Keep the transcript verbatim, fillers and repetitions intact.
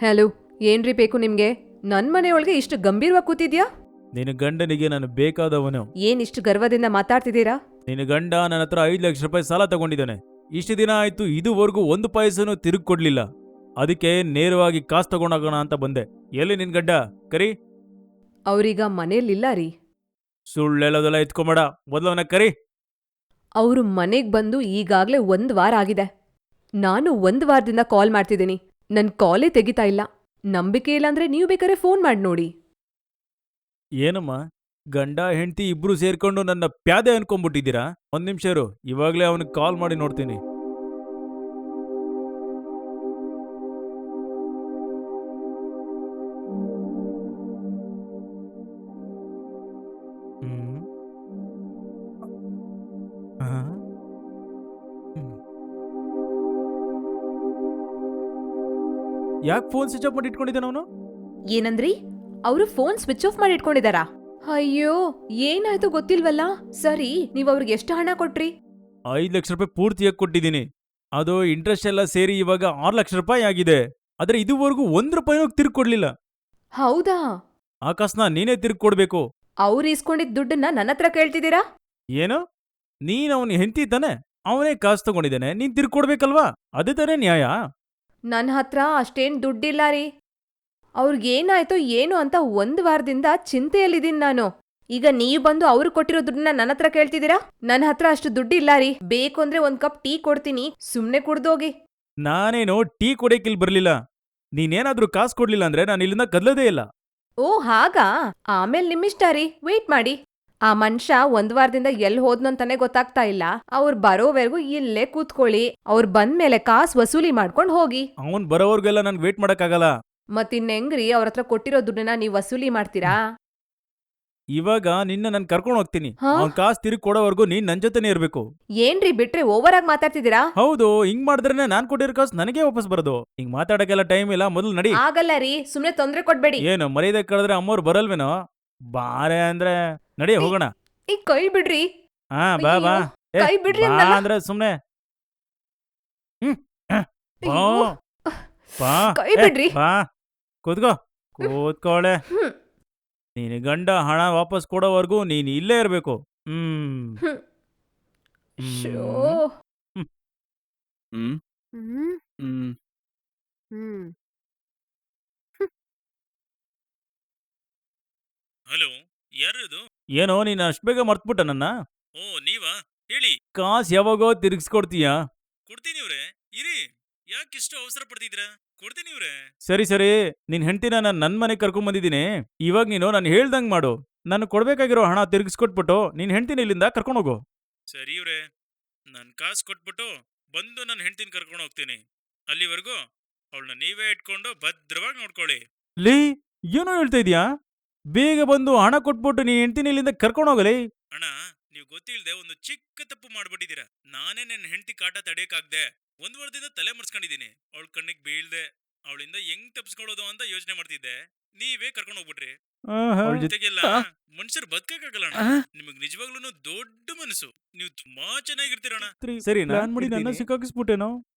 Hello, ಏನ್ರಿ ಬೇಕು ನಿಮ್ಗೆ? ನನ್ ಮನೆಯೊಳಗೆ ಇಷ್ಟು ಗಂಭೀರವಾಗಿ ಕೂತಿದ್ಯಾ? ನಿನ್ನ ಗಂಡನಿಗೆ ನಾನು ಬೇಕಾದವನು. ಏನ್ ಇಷ್ಟು ಗರ್ವದಿಂದ ಮಾತಾಡ್ತಿದ್ದೀರಾ? ನಿನ್ನ ಗಂಡ ನನ್ನ ಹತ್ರ ಐದು ಲಕ್ಷ ರೂಪಾಯಿ ಸಾಲ ತಗೊಂಡಿದ್ದಾನೆ. ಇಷ್ಟು ದಿನ ಆಯ್ತು, ಇದುವರೆಗೂ ಒಂದು ಪೈಸನು ತಿರುಗಿ ಕೊಡ್ಲಿಲ್ಲ. ಅದಕ್ಕೆ ನೇರವಾಗಿ ಕಾಸು ತಗೊಂಡೋಗೋಣ ಅಂತ ಬಂದೆ. ಎಲ್ಲಿ ನಿನ್ ಗಂಡ? ಕರಿ. ಅವ್ರೀಗ ಮನೇಲಿಲ್ಲ ರೀ. ಸುಳ್ಳೆಲ್ಲದೆಲ್ಲ ಎತ್ಕೊಂಬೇಡ, ಮೊದಲವನ ಕರಿ. ಅವರು ಮನೆಗ್ ಬಂದು ಈಗಾಗ್ಲೇ ಒಂದ್ ವಾರ ಆಗಿದೆ. ನಾನು ಒಂದ್ ವಾರದಿಂದ ಕಾಲ್ ಮಾಡ್ತಿದ್ದೀನಿ. ನನ್ ಕಾಲೇ ತೆಗಿತಾ ಇಲ್ಲ. ನಂಬಿಕೆ ಇಲ್ಲಾಂದ್ರೆ ನೀವು ಬೇಕಾದ್ರೆ ಫೋನ್ ಮಾಡಿ ನೋಡಿ. ಏನಮ್ಮ, ಗಂಡ ಹೆಂಡತಿ ಇಬ್ರು ಸೇರ್ಕೊಂಡು ನನ್ನ ಪ್ಯಾದೆ ಅನ್ಕೊಂಡ್ಬಿಟ್ಟಿದ್ದೀರಾ? ಒಂದ್ ನಿಮಿಷ ಇರು, ಇವಾಗ್ಲೇ ಅವನಿಗೆ ಕಾಲ್ ಮಾಡಿ ನೋಡ್ತೀನಿ. ಹ್ಮ್. ಆ? ಹ್ಮ್. ಯಾಕೆ ಫೋನ್ ಸ್ವಿಚ್ ಆಫ್ ಮಾಡಿ ಇಟ್ಕೊಂಡಿದ್ದಾನ ಅವನು? ಏನಂದ್ರಿ? ಅವರು ಫೋನ್ ಸ್ವಿಚ್ ಆಫ್ ಮಾಡಿ ಇಟ್ಕೊಂಡಿದಾರಾ? ಅಯ್ಯೋ, ಏನಾಯ್ತು ಗೊತ್ತಿಲ್ವಲ್ಲ. ಸರಿ, ನೀವ್ ಅವ್ರಿಗೆ ಎಷ್ಟು ಹಣ ಕೊಟ್ರಿ? ಐದು ಲಕ್ಷ ರೂಪಾಯಿ ಪೂರ್ತಿಯಾಗಿ ಕೊಟ್ಟಿದ್ದೀನಿ. ಅದು ಇಂಟ್ರೆಸ್ಟ್ ಎಲ್ಲ ಸೇರಿ ಇವಾಗ ಆರು ಲಕ್ಷ ರೂಪಾಯಿ ಆಗಿದೆ. ಆದ್ರೆ ಇದುವರೆಗೂ ಒಂದ್ ರೂಪಾಯಿನೂ ತಿರ್ಗಿ ಕೊಡ್ಲಿಲ್ಲ. ಹೌದಾ? ಆ ಕಾಸನ್ನ ನೀನೇ ತಿರ್ಗಿ ಕೊಡ್ಬೇಕು. ಅವ್ರು ಇಸ್ಕೊಂಡಿದ್ ದುಡ್ಡನ್ನ ನನ್ನ ಹತ್ರ ಕೇಳ್ತಿದ್ದೀರಾ? ಏನು? ನೀನ್ ಅವನ್ ಹೆಂಡತಿ ತಾನೆ? ಅವನೇ ಕಾಸು ತಗೊಂಡಿದ್ದಾನೆ, ನೀನ್ ತಿರ್ಗಿ ಕೊಡ್ಬೇಕಲ್ವಾ? ಅದೇ ತಾನೇ ನ್ಯಾಯ. ನನ್ ಹತ್ರ ಅಷ್ಟೇನ್ ದುಡ್ಡಿಲ್ಲ ರೀ. ಅವ್ರಿಗೇನಾಯ್ತೋ ಏನು ಅಂತ ಒಂದ್ ವಾರದಿಂದ ಚಿಂತೆಯಲ್ಲಿದ್ದೀನಿ ನಾನು. ಈಗ ನೀವ್ ಬಂದು ಅವ್ರು ಕೊಟ್ಟಿರೋ ದುಡ್ಡನ್ನ ನನ್ನ ಹತ್ರ ಕೇಳ್ತಿದ್ದೀರಾ? ನನ್ನ ಹತ್ರ ಅಷ್ಟು ದುಡ್ಡಿಲ್ಲ ರೀ. ಬೇಕು ಅಂದ್ರೆ ಒಂದ್ ಕಪ್ ಟೀ ಕೊಡ್ತೀನಿ, ಸುಮ್ನೆ ಕುಡ್ದೋಗಿ. ನಾನೇನೋ ಟೀ ಕೊಡಕ್ಕಿಲ್ ಬರ್ಲಿಲ್ಲ. ನೀನೇನಾದ್ರೂ ಕಾಸು ಕೊಡ್ಲಿಲ್ಲ ಅಂದ್ರೆ ನಾನು ಇಲ್ಲಿಂದ ಕದ್ಲದೇ ಇಲ್ಲ. ಓ ಹಾಗಾ? ಆಮೇಲ್ ನಿಮ್ಮಿಷ್ಟ ರೀ, ವೇಟ್ ಮಾಡಿ. ಆ ಮನುಷ್ಯ ಒಂದ್ ವಾರದಿಂದ ಎಲ್ ಹೋದ್ನಂತಾನೆ ಗೊತ್ತಾಗ್ತಾ ಇಲ್ಲ. ಅವ್ರ್ ಬರೋವರೆಗೂ ಇಲ್ಲೇ ಕೂತ್ಕೊಳ್ಳಿ. ಅವ್ರ್ ಬಂದ್ಮೇಲೆ ಕಾಸ್ ವಸೂಲಿ ಮಾಡ್ಕೊಂಡ್ ಹೋಗಿ. ಅವನ್ ಬರೋವರ್ಗೆಲ್ಲ ನನ್ಗೆ ವೇಟ್ ಮಾಡಕ್ಕಾಗಲ್ಲ. ಮತ್ತಿನ್ನೆಂಗ್ರಿ ಅವ್ರತ್ರ ಕೊಟ್ಟಿರೋ ದುಡ್ಡನ್ನ ನೀವ್ ವಸೂಲಿ ಮಾಡ್ತೀರಾ? ಇವಾಗ ನಿನ್ನ ನಾನು ಕರ್ಕೊಂಡು ಹೋಗ್ತೀನಿ. ಹಾ? ಅವ್ನ್ ಕಾಸು ತಿರುಗಿ ಕೊಡೋವರೆಗೂ ನೀನ್ ನನ್ ಜೊತೆನೇ ಇರ್ಬೇಕು. ಏನ್ರಿ ಬಿಟ್ರೆ ಓವರ್ ಆಗಿ ಮಾತಾಡ್ತಿದ್ದೀರಾ? ಹೌದು, ಹಿಂಗ್ ಮಾಡಿದ್ರೇನೆ ನಾನ್ ಕೊಟ್ಟಿರೋ ಕಾಸು ನನಗೆ ವಾಪಸ್ ಬರೋದು. ಹಿಂಗ್ ಮಾತಾಡಕ್ಕೆಲ್ಲ ಟೈಮ್ ಇಲ್ಲ, ಮೊದಲು ನಡಿ. ಆಗಲ್ಲ ರೀ, ಸುಮ್ನೆ ತೊಂದ್ರೆ ಕೊಡ್ಬೇಡಿ. ಏನು ಮರ್ಯಾದೆ ಕಳೆದ್ರೆ ಅಮ್ಮವ್ರು ಬರಲ್ವೇನೋ? ಬಾರೆ ಅಂದ್ರೆ ನಡಿ ಹೋಗೋಣ. ಈ ಕೈ ಬಿಡ್ರಿ. ಹಾ ಬಾ ಬಾ. ಅಯ್ಯೋ, ಏ, ಕೈ ಬಿಡ್ರಿ ಬಾ ಅಂದಲ್ಲ. ಅಂದ್ರೆ ಸುಮ್ನೆ. ಹ್ಮ್ ಹ, ಬಾ ಅಯ್ಯೋ, ಬಾ. ಕೈ ಏ, ಬಿಡ್ರಿ. ಬಾ ಕೂತ್ಕೋ. ಕೂತ್ಕೊಳ್ಳೆ. ಹ್ಮ್, ನೀನ್ ಗಂಡ ಹಣ ವಾಪಸ್ ಕೊಡೋವರೆಗೂ ನೀನ್ ಇಲ್ಲೇ ಇರ್ಬೇಕು. ಹ್ಮ್ ಹ್ಮ್. ಶೋ. ಹ್ಮ್ ಹ್ಮ್ ಹ್ಮ್, ಹ್ಮ್. ಹ್ಮ್. ಹಲೋ, ಯಾರದು? ಏನೋ ನೀನು ಅಷ್ಟು ಬೇಗ ಮರ್ತ್ಬಿಟ್ಟ ನನ್ನ? ಓ ನೀವಾ? ಹೇಳಿ. ಕಾಸ್ ಯಾವಾಗೋ ತಿರ್ಗಿಸ್ಕೊಡ್ತೀಯಾ? ಕೊಡ್ತೀನಿ ಇವ್ರೆ, ಇರಿ. ಯಾಕಿಷ್ಟು ಅವಸರ ಪಡ್ತಿದ್ದೀರಾ? ಕೊಡ್ತೀನಿ ಇವ್ರೆ. ಸರಿ ಸರಿ, ನಿನ್ ಹೆಂಡತಿನ ನಾನು ನನ್ನ ಮನೆಗೆ ಕರ್ಕೊಂಡ್ ಬಂದಿದ್ದೀನಿ. ಇವಾಗ ನೀನು ನಾನು ಹೇಳ್ದಂಗ್ ಮಾಡು. ನಾನು ಕೊಡ್ಬೇಕಾಗಿರೋ ಹಣ ತಿರ್ಗಿಸ್ಕೊಟ್ಬಿಟ್ಟು ನಿನ್ ಹೆಂಡತಿನ ಇಲ್ಲಿಂದ ಕರ್ಕೊಂಡು ಹೋಗು. ಸರಿ ಇವ್ರೆ, ನಾನು ಕಾಸು ಕೊಟ್ಬಿಟ್ಟು ಬಂದು ನನ್ನ ಹೆಂಡತಿನ ಕರ್ಕೊಂಡು ಹೋಗ್ತೀನಿ. ಅಲ್ಲಿವರೆಗೂ ಅವಳನ್ನ ನೀವೇ ಇಟ್ಕೊಂಡು ಭದ್ರವಾಗಿ ನೋಡ್ಕೊಳ್ಳಿ. ಲೀ, ಏನೋ ಹೇಳ್ತಾ ಇದೀಯಾ? ಬೇಗ ಬಂದು ಹಣ ಕೊಟ್ಬಿಟ್ಟು ನೀನ್ ಹೆಂಡತಿನ ಇಲ್ಲಿಂದ ಕರ್ಕೊಂಡು ಹೋಗಲಿ. ಅಣ್ಣ, ನೀವು ಗೊತ್ತಿಲ್ಲದೆ ಒಂದು ಚಿಕ್ಕ ತಪ್ಪು ಮಾಡ್ಬಿಟ್ಟಿದ್ದೀರಾ. ನಾನೇ ನನ್ನ ಹೆಂಡತಿ ಕಾಟ ತಡೆಯಕ್ಕಾಗ್ದೆ ಒಂದ್ ವಾರದಿಂದ ತಲೆ ಮರ್ಸ್ಕೊಂಡಿದ್ದೀನಿ. ಅವಳ ಕಣ್ಣಿಗೆ ಬೀಳ್ದೆ ಅವಳಿಂದ ಹೆಂಗ್ ತಪ್ಪಿಸ್ಕೊಳ್ಳೋದು ಅಂತ ಯೋಚನೆ ಮಾಡ್ತಿದ್ದೆ. ನೀವೇ ಕರ್ಕೊಂಡು ಹೋಗ್ಬಿಟ್ರಿ. ಅವಳ ಜೊತೆಗೆಲ್ಲ ಮನುಷ್ಯರು ಬದುಕಕ್ಕಾಗಲ್ಲ. ನಿಮಗ್ ನಿಜವಾಗ್ಲೂ ದೊಡ್ಡ ಮನಸ್ಸು. ನೀವು ತುಂಬಾ ಚೆನ್ನಾಗಿರ್ತೀರಣ್ಣ. ಸರಿ, ನಾನ್ ಮಾಡಿ ನನ್ನ ಸಿಕ್ಕಾಕಿಸ್ಬಿಟ್ಟೇನೋ.